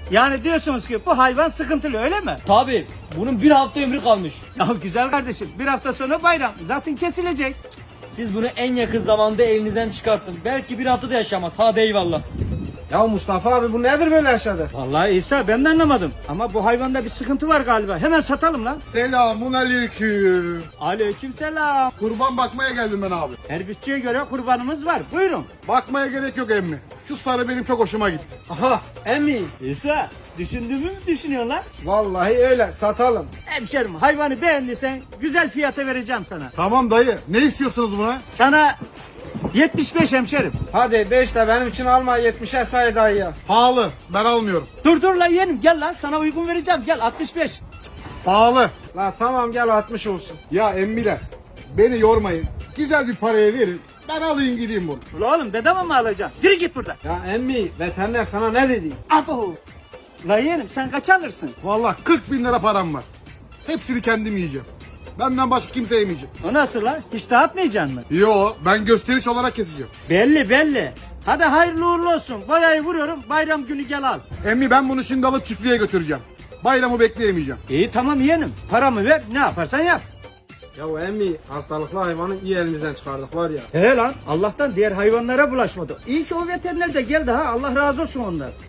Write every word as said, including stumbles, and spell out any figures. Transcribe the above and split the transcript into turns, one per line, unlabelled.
Yani diyorsunuz ki bu hayvan sıkıntılı öyle mi?
Tabii. Bunun bir hafta ömrü kalmış.
Ya güzel kardeşim bir hafta sonra bayram zaten kesilecek.
Siz bunu en yakın zamanda elinizden çıkartın. Belki bir hafta da yaşamaz. Hadi eyvallah.
Ya Mustafa abi bu nedir böyle aşağıda?
Vallahi İsa ben de anlamadım ama bu hayvanda bir sıkıntı var galiba. Hemen satalım lan.
Selamun aleyküm.
Aleykümselam.
Kurban bakmaya geldim ben abi.
Her bütçeye göre kurbanımız var. Buyurun.
Bakmaya gerek yok emmi. Şu sarı benim çok hoşuma gitti.
Aha emmi.
İsa düşündüğümü mü düşünüyorsun lan?
Vallahi öyle satalım.
Hemşerim hayvanı beğendiysen güzel fiyata vereceğim sana.
Tamam dayı. Ne istiyorsunuz buna?
Sana yetmiş beş hemşerim.
Hadi beş de benim için alma yetmişe say dayıya.
Pahalı. Ben almıyorum.
Dur dur lan yeğenim gel lan sana uygun vereceğim gel altmış beş.
Pahalı.
La tamam gel altmış olsun.
Ya emmiler. Beni yormayın. Güzel bir paraya verin. Ben alayım gideyim bunu.
Ulan oğlum bedava mı alacaksın? Yürü git buradan.
Ya emmi veteriner sana ne dedi?
Abo. La yeğenim sen kaç alırsın?
Vallahi kırk bin lira param var. Hepsini kendim yiyeceğim. Benden başka kimse yemeyecek.
O nasıl lan? Hiç dağıtmayacaksın mı?
Yo, ben gösteriş olarak keseceğim.
Belli belli. Hadi hayırlı uğurlu olsun. Boyayı vuruyorum bayram günü gel al.
Emmi ben bunu şimdi alıp çiftliğe götüreceğim. Bayramı bekleyemeyeceğim.
İyi tamam yeğenim. Paramı ver ne yaparsan yap.
Ya emmi hastalıklı hayvanı iyi elimizden çıkardık var ya.
He lan Allah'tan diğer hayvanlara bulaşmadı. İyi ki o veteriner de geldi ha Allah razı olsun ondan.